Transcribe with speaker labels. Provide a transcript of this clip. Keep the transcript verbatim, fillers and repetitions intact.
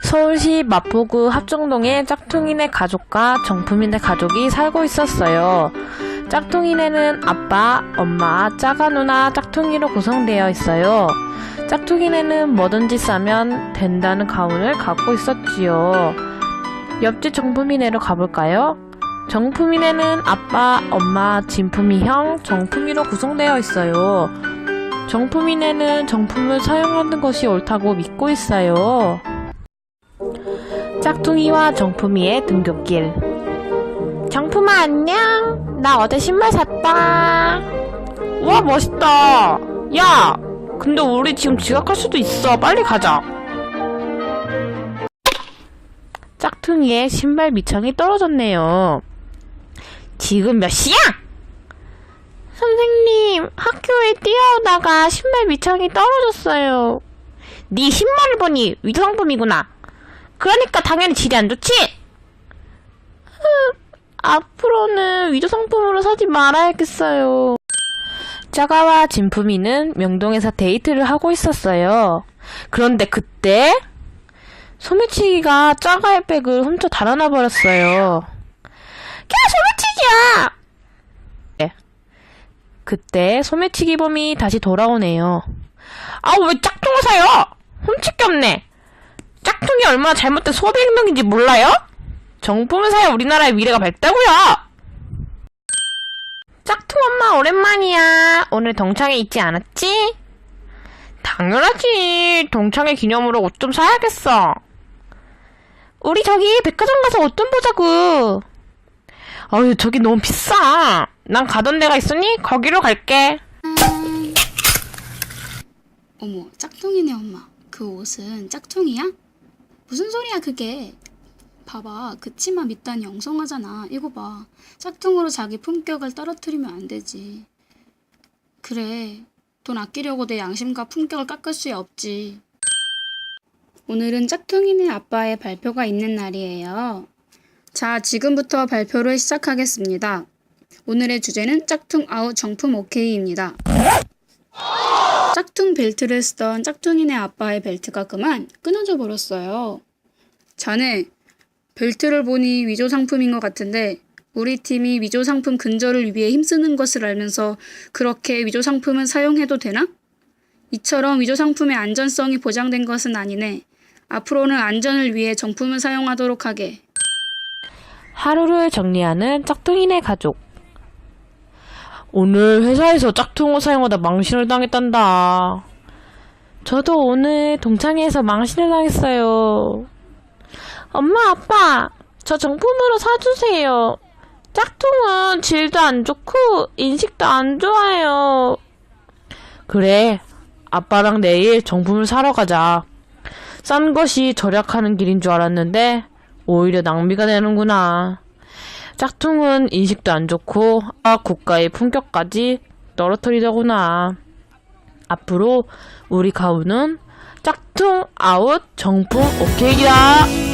Speaker 1: 서울시 마포구 합정동에 짝퉁이네 가족과 정품이네 가족이 살고 있었어요. 짝퉁이네는 아빠, 엄마, 짜가 누나, 짝퉁이로 구성되어 있어요. 짝퉁이네는 뭐든지 싸면 된다는 가훈을 갖고 있었지요. 옆집 정품이네로 가볼까요? 정품이네는 아빠, 엄마, 진품이 형, 정품이로 구성되어 있어요. 정품이네는 정품을 사용하는 것이 옳다고 믿고 있어요. 짝퉁이와 정품이의 등굣길. 정품아 안녕. 나 어제 신발 샀다. 와 멋있다. 야 근데 우리 지금 지각할 수도 있어. 빨리 가자. 짝퉁이의 신발 밑창이 떨어졌네요. 지금 몇 시야? 선생님, 학교에 뛰어오다가 신발 밑창이 떨어졌어요. 네 신발을 보니 위조상품이구나. 그러니까 당연히 질이 안 좋지? 앞으로는 위조상품으로 사지 말아야겠어요. 짜가와 진품이는 명동에서 데이트를 하고 있었어요. 그런데 그때 소매치기가 짜가의 백을 훔쳐 달아나 버렸어요. 야, 소매치기야! 네. 그때 소매치기범이 다시 돌아오네요. 아, 왜 짝퉁을 사요? 훔칠 게 없네. 짝퉁이 얼마나 잘못된 소비 행동인지 몰라요? 정품을 사야 우리나라의 미래가 밝다고요. 짝퉁 엄마 오랜만이야. 오늘 동창회 있지 않았지? 당연하지. 동창회 기념으로 옷 좀 사야겠어. 우리 저기 백화점 가서 옷 좀 보자고. 어휴, 저기 너무 비싸. 난 가던 데가 있으니 거기로 갈게.
Speaker 2: 어머, 짝퉁이네 엄마. 그 옷은 짝퉁이야? 무슨 소리야 그게. 봐봐, 그 치마 밑단이 엉성하잖아. 이거 봐. 짝퉁으로 자기 품격을 떨어뜨리면 안 되지. 그래, 돈 아끼려고 내 양심과 품격을 깎을 수 없지. 오늘은 짝퉁이네 아빠의 발표가 있는 날이에요. 자, 지금부터 발표를 시작하겠습니다. 오늘의 주제는 짝퉁 아웃 정품 오케이입니다. 짝퉁 벨트를 쓰던 짝퉁이네 아빠의 벨트가 그만 끊어져 버렸어요. 자네, 벨트를 보니 위조 상품인 것 같은데 우리 팀이 위조 상품 근절을 위해 힘쓰는 것을 알면서 그렇게 위조 상품을 사용해도 되나? 이처럼 위조 상품의 안전성이 보장된 것은 아니네. 앞으로는 안전을 위해 정품을 사용하도록 하게.
Speaker 1: 하루를 정리하는 짝퉁이네 가족. 오늘 회사에서 짝퉁을 사용하다 망신을 당했단다. 저도 오늘 동창회에서 망신을 당했어요. 엄마, 아빠, 저 정품으로 사주세요. 짝퉁은 질도 안 좋고 인식도 안 좋아요. 그래, 아빠랑 내일 정품을 사러 가자. 싼 것이 절약하는 길인 줄 알았는데 오히려 낭비가 되는구나. 짝퉁은 인식도 안 좋고 아 국가의 품격까지 떨어뜨리더구나. 앞으로 우리 가훈은 짝퉁 아웃 정품 오케이다.